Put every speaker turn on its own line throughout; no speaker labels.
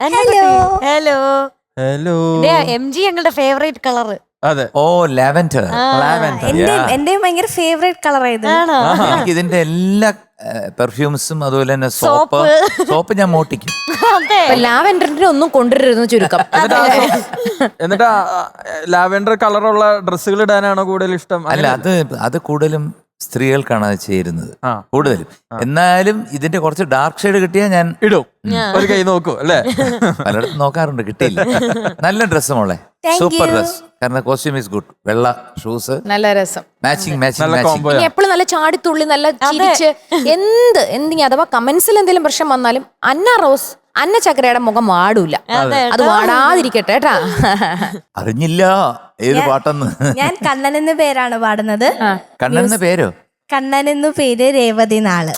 Hello
hello
hello.
MG ഞങ്ങളുടെ favourite colour.
അതെ.
ഓ ലാവൻഡർ.
എന്റെയും ഭയങ്കര ഫേവറേറ്റ് കളർ ആയത്.
ആണോ?
എനിക്ക് ഇതിന്റെ എല്ലാ പെർഫ്യൂംസും അതുപോലെ തന്നെ സോപ്പ് ഞാൻ മോട്ടിക്കും.
ലാവെൻഡറിന്റെ ഒന്നും കൊണ്ടുവരുന്നു ചുരുക്കം.
എന്നിട്ട് ലാവെൻഡർ കളറുള്ള ഡ്രസ്സുകൾ ഇടാനാണോ കൂടുതൽ ഇഷ്ടം?
അല്ല, അത് കൂടുതലും സ്ത്രീകൾക്കാണ് അത് ചേരുന്നത് കൂടുതലും. എന്നാലും ഇതിന്റെ കുറച്ച് ഡാർക്ക് ഷെയ്ഡ് കിട്ടിയാൽ ഞാൻ
ഇടും. ഒരു കൈ നോക്കൂ അല്ലേ?
പലയിടത്തും നോക്കാറുണ്ട്, കിട്ടിയില്ല. നല്ല ഡ്രസ്സ് മോളെ, സൂപ്പർ ഡ്രസ്. കാരണം കോസ്റ്റ്യൂം ഈസ് ഗുഡ്. വെള്ള ഷൂസ്,
നല്ല രസം,
മാച്ചിങ്.
എപ്പോഴും നല്ല ചാടിത്തുള്ളി, നല്ല ചിരിച്ച് എന്തെങ്കിലും അഥവാ കമന്റ്സിൽ എന്തെങ്കിലും പ്രശ്നം വന്നാലും അന്ന ചക്രയുടെ മുഖം വാടൂല. അത് വാടാതിരിക്കട്ടെ കേട്ടാ.
അറിഞ്ഞില്ല ഏത് പാട്ടെന്ന്.
ഞാൻ കണ്ണൻ എന്ന പേരാണ് പാടുന്നത്.
കണ്ണൻ എന്ന പേരോ?
കണ്ണൻ എന്നു പേര് രേവതി നാള്.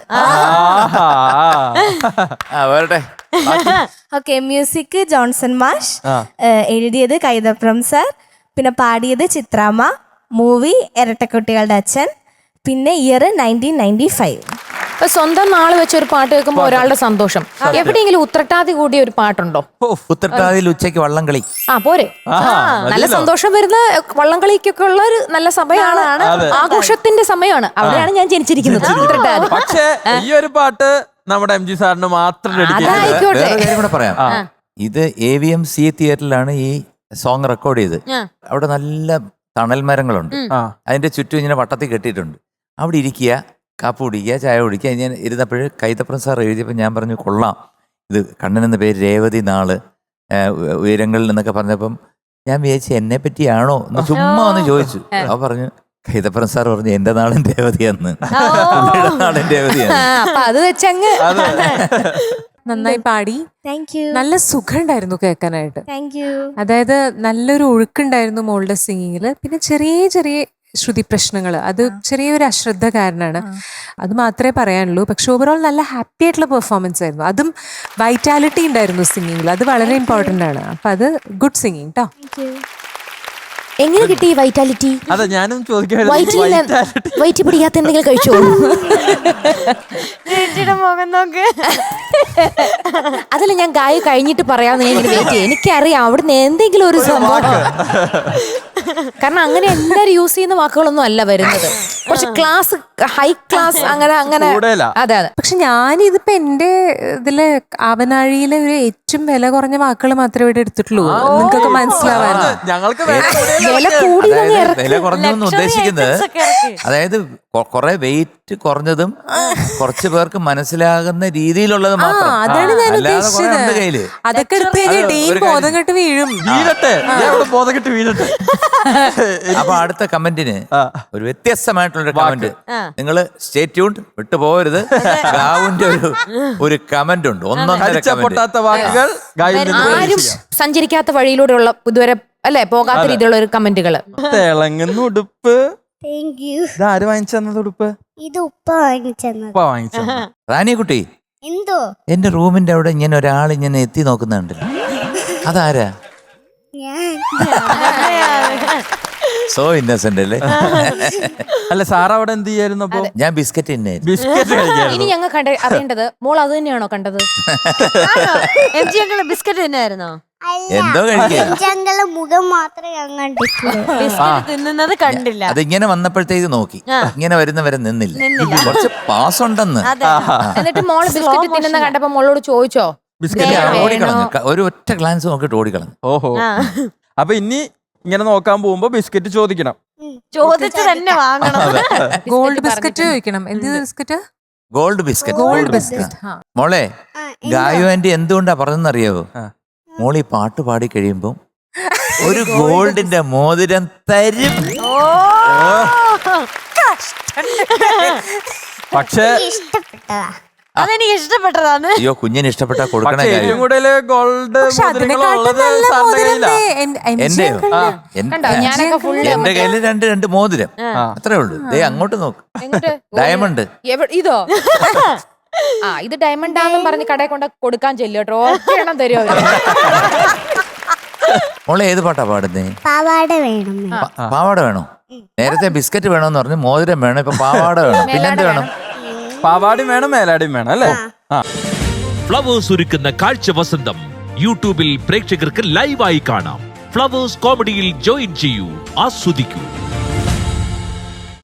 വരട്ടെ.
ഓക്കെ, മ്യൂസിക് ജോൺസൺ മാഷ്, എഴുതിയത് കൈതപ്രം സാർ, പിന്നെ പാടിയത് ചിത്രാമ്മ. മൂവി ഇരട്ടക്കുട്ടികളുടെ അച്ഛൻ, പിന്നെ ഇയർ 1995.
ഇപ്പൊ സ്വന്തം നാള് വെച്ച ഒരു പാട്ട് കേൾക്കുമ്പോ ഒരാളുടെ സന്തോഷം. എവിടെയെങ്കിലും ഉത്രട്ടാതി കൂടിയ ഒരു പാട്ടുണ്ടോ?
ഉത്രട്ടാതിയിൽ ഉച്ചയ്ക്ക് വള്ളംകളി.
പോരെ. നല്ല സന്തോഷം വരുന്ന വള്ളംകളിക്കൊക്കെ ഉള്ള ഒരു നല്ല സമയമാണ്, ആഘോഷത്തിന്റെ സമയമാണ്. അവിടെയാണ് ഞാൻ ജനിച്ചിരിക്കുന്നത്, ഉത്രട്ടാതി.
പക്ഷേ ഈ ഒരു പാട്ട് നമ്മുടെ MG സാറിന് മാത്രം
അതായിക്കോട്ടെ.
വേറെ കാര്യം കൂടെ പറയാം. ഇത് AVMC തിയേറ്ററിലാണ് ഈ സോങ് റെക്കോർഡ് ചെയ്ത്. അവിടെ നല്ല തണൽ മരങ്ങളുണ്ട്. അതിന്റെ ചുറ്റും ഇങ്ങനെ വട്ടത്തിൽ കെട്ടിയിട്ടുണ്ട്. അവിടെ ഇരിക്കുക, കാപ്പ് കുടിക്കുക, ചായ കുടിക്കുക. ഞാൻ ഇരുന്നപ്പോഴ് കൈതപ്രം സാർ എഴുതിയപ്പോൾ ഞാൻ പറഞ്ഞു, കൊള്ളാം, ഇത് കണ്ണൻ എന്ന പേര് രേവതി നാള് ഉയരങ്ങളിൽ എന്നൊക്കെ പറഞ്ഞപ്പം ഞാൻ വിചാരിച്ചു എന്നെ പറ്റിയാണോ എന്ന് ചുമ്മാ ഒന്ന് ചോദിച്ചു. അവ പറഞ്ഞു, കൈതപ്രം സാർ പറഞ്ഞു എന്റെ നാളും രേവതിയാന്ന്, നാളും രേവതിയാണ്.
അപ്പൊ അത് വെച്ചങ്ങ്
നന്നായി പാടി. നല്ല സുഖം ഉണ്ടായിരുന്നു കേൾക്കാനായിട്ട്. അതായത് നല്ലൊരു ഒഴുക്കുണ്ടായിരുന്നു മോളുടെ സിംഗിങ്ങില്. പിന്നെ ചെറിയ ചെറിയ ശ്രുതി പ്രശ്നങ്ങൾ, അത് ചെറിയൊരു അശ്രദ്ധ കാരണമാണ്. അത് മാത്രമേ പറയാനുള്ളൂ. പക്ഷെ ഓവറോൾ നല്ല ഹാപ്പി ആയിട്ടുള്ള പെർഫോമൻസ് ആയിരുന്നു. അതും വൈറ്റാലിറ്റി ഉണ്ടായിരുന്നു സിംഗിങ്ങിൽ. അത് വളരെ ഇമ്പോർട്ടൻ്റ് ആണ്. അപ്പം അത് ഗുഡ് സിംഗിങ് കേട്ടോ.
എങ്ങനെ കിട്ടി വൈറ്റാലിറ്റി?
അതെ, ഞാനും
വൈറ്റ് പിടിക്കാത്ത എന്തെങ്കിലും കഴിച്ചോ?
മുഖം നോക്ക്.
അതല്ല, ഞാൻ ഗായ കഴിഞ്ഞിട്ട് പറയാമെന്ന് ഞാൻ വെയിറ്റ് ചെയ്യും. എനിക്കറിയാം അവിടുന്ന് എന്തെങ്കിലും ഒരു സംഭവം. കാരണം അങ്ങനെ എല്ലാരും യൂസ് ചെയ്യുന്ന വാക്കുകളൊന്നും അല്ല വരുന്നത്. കുറച്ച് ക്ലാസ്, ഹൈ ക്ലാസ്, അങ്ങനെ. അതെ.
പക്ഷെ ഞാനിതിപ്പോ എന്റെ ഇതില് ആവനാഴിയിലെ ഒരു ഏറ്റവും വില കുറഞ്ഞ വാക്കുകൾ മാത്രമേ ഇവിടെ എടുത്തിട്ടുള്ളൂ. നിങ്ങൾക്കൊക്കെ മനസ്സിലാവാറുണ്ട്.
ഞങ്ങൾക്ക്
വില കൂടി
വില കുറഞ്ഞൊന്നും ഉദ്ദേശിക്കുന്നത്, അതായത് കുറെ വെയിറ്റ് കുറഞ്ഞതും കുറച്ചു പേർക്ക് മനസ്സിലാകുന്ന രീതിയിലുള്ളത് മാത്രം.
അതാണ് ഞാൻ ഉദ്ദേശിച്ചത്.
കയ്യില്
അതൊക്കെ എടുത്തു കഴിഞ്ഞാൽ ഡീൻ ബോധം കെട്ട് വീഴും.
വീഴട്ടെ.
അപ്പൊ അടുത്ത കമന്റിന് ഒരു വ്യത്യസ്തമായിട്ടുള്ളൊരു കമന്റ്. നിങ്ങൾ സ്റ്റേ ട്യൂൺഡ്, വിട്ടു പോകരുത്. ഗാവുന്റെ ഒരു കമന്റ് ഉണ്ട്.
ആരും സഞ്ചരിക്കാത്ത വഴിയിലൂടെയുള്ള ഇതുവരെ അല്ലെ പോകാത്ത രീതിയിലുള്ള ഒരു കമന്റുകള്.
തിളങ്ങുന്ന ഉടുപ്പ്.
ആര്
വാങ്ങിച്ചത് ഉടുപ്പ്?
ഇത് ഉപ്പ വാങ്ങിച്ചത്.
റാണിക്കുട്ടി,
എന്തോ
എന്റെ റൂമിന്റെ അവിടെ ഇങ്ങനെ ഒരാൾ ഇങ്ങനെ എത്തി നോക്കുന്നുണ്ട്. അതാരാ? സോ ഇന്നസെന്റ് അല്ലേ?
അല്ല, സാർ അവിടെ എന്ത് ചെയ്യായിരുന്നു? അപ്പൊ
ഞാൻ ബിസ്ക്കറ്റ്
ബിസ്ക്കറ്റ്
ഇനി ഞങ്ങൾ അറിയേണ്ടത്, മോൾ അത് തന്നെയാണോ കണ്ടത്?
MG ഞങ്ങള് ബിസ്ക്കറ്റ് തന്നെയായിരുന്നോ?
എന്തോ
കഴിക്കുക, മുഖം മാത്രമേ
ബിസ്ക്കറ്റ് തിന്നുന്നത് കണ്ടില്ല.
അതിങ്ങനെ വന്നപ്പോഴത്തേക്ക് നോക്കി, ഇങ്ങനെ വരുന്നവരെ നിന്നില്ല. കുറച്ച് പാസ് ഉണ്ടെന്ന്.
എന്നിട്ട് മോള് ബിസ്ക്കറ്റ് തിന്നുന്ന കണ്ടപ്പോ മോളോട് ചോദിച്ചോ?
ഓടിക്കളഞ്ഞു, ഒരു ഒറ്റ ഗ്ലാൻസ് നോക്കിട്ട് ഓടിക്കളഞ്ഞു.
ഓഹോ. അപ്പൊ ഇനി ഇങ്ങനെ നോക്കാൻ പോകുമ്പോ ബിസ്ക്കറ്റ് ചോദിക്കണം.
ചോദിച്ചു തന്നെ വാങ്ങണം.
ഗോൾഡ് ബിസ്ക്കറ്റ് ചോദിക്കണം. എന്ത് ബിസ്ക്കറ്റ്?
Gold biscuit. മോളെ, ഗായു ആന്റി എന്തുകൊണ്ടാ പറഞ്ഞെന്നറിയാവോ? മോളി പാട്ട് പാടി കഴിയുമ്പോ ഒരു ഗോൾഡിന്റെ മോതിരം തരും.
പക്ഷേ
അതെനിക്ക് ഇഷ്ടപ്പെട്ടതാണ്.
അയ്യോ, കുഞ്ഞിന് ഇഷ്ടപ്പെട്ട കൊടുക്കണേ.
ഏറ്റവും കൂടുതൽ ഗോൾഡ്
എന്റെ കയ്യില് രണ്ട് മോതിരം, അത്രേ ഉള്ളൂ. അങ്ങോട്ട് നോക്ക്, ഡയമണ്ട്.
ഇതോ? ഇത് ഡയമണ്ട് ആണെന്നും പറഞ്ഞ് കടയിൽ കൊണ്ട് കൊടുക്കാൻ ചെല്ലോട്ടോ. ഒരെണ്ണം തരുമോ?
മോളെ ഏത് പാട്ടാ പാടുന്നേ? പാവാട വേണോ? നേരത്തെ ബിസ്ക്കറ്റ് വേണോന്ന് പറഞ്ഞു, മോതിരം വേണം, ഇപ്പൊ പാവാട വേണം. പിന്നെന്ത് വേണം?
പാവാടിയും വേണം, മേലാടിയും വേണം അല്ലേ?
ഫ്ലവേഴ്സ് ഒരുക്കുന്ന കാഴ്ച വസന്തം യൂട്യൂബിൽ പ്രേക്ഷകർക്ക് ലൈവായി കാണാം. ഫ്ലവേഴ്സ് കോമഡിയിൽ ജോയിൻ ചെയ്യൂ, ആസ്വദിക്കൂ.